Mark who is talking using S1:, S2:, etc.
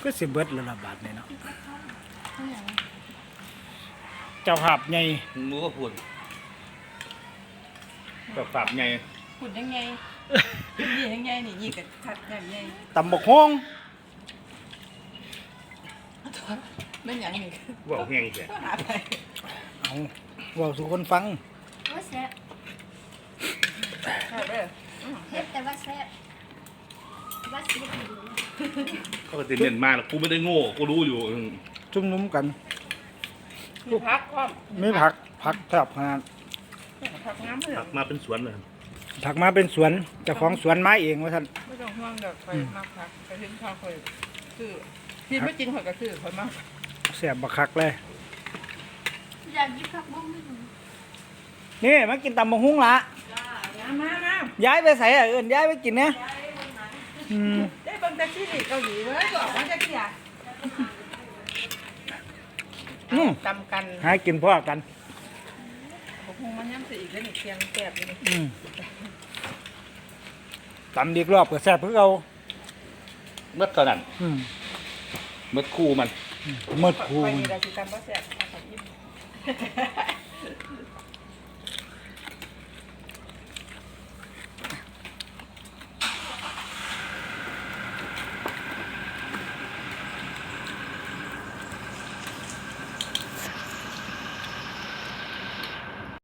S1: ก็สิเบิดละบาทนี่เนาะเจ้าภาพใหญ่
S2: มือก็พูดแบบฝาบไง
S3: ขุดยังไงยี่ยังไงนี่ยี่กับขัดยังไง
S1: ตำบกฮง
S3: ไม่หยังนี่
S2: บอกแห้งแค่
S3: ก็หาไป
S1: เอาเว้าสู่คนฟัง
S4: ว่าแซ่บ
S3: หาไปเลย
S4: เฮ็ดแต่ว่าแซ่บว่าสิบอยู่
S2: เขาก็จะเน้นมากแล้วกูไม่ได้โง่กูรู้อยู่
S1: จุ่มนุ้มกัน
S3: มีพักก็
S1: มีผักแทบขนาด
S3: พักน้ำเพื่อ
S2: มาเป็นสวนเลย
S1: ผักมาเป็นสวนเจ้าของสวนไม้เองว่าท่าน
S3: ไม่ต้องห่วงเด็กไปมากพักไปถึงข้าวคอยคือที่ไม่จริงคอยก็คือคอยมาก
S1: แซ่บบักคักเลย
S4: อยากหยิบผักบุ้งไม่ถึง
S1: นี่มากินตำบกฮุ้งละ
S3: มา
S1: ย้ายไปใส่เอิ้นย้ายไปกินเนี่ยอืม
S3: ได้เบิ่งแท็กซี่เกาหลีเลยบอกว่าจะเกี่ยตำกัน
S1: หากินพ่อกัน
S3: ผมคงมันย้ำสีอีกแล้วนี่เคียงแสบเลย
S1: อืมตำดีกรอบก็แซ่บเพื่อเอา
S2: เมื่อตอนนั้น
S1: อืม
S2: เมื่อคู่มัน
S1: หมดคู
S3: ไป
S1: มัน
S3: นี่เราสิตำก็แสบตำกับยิ้ม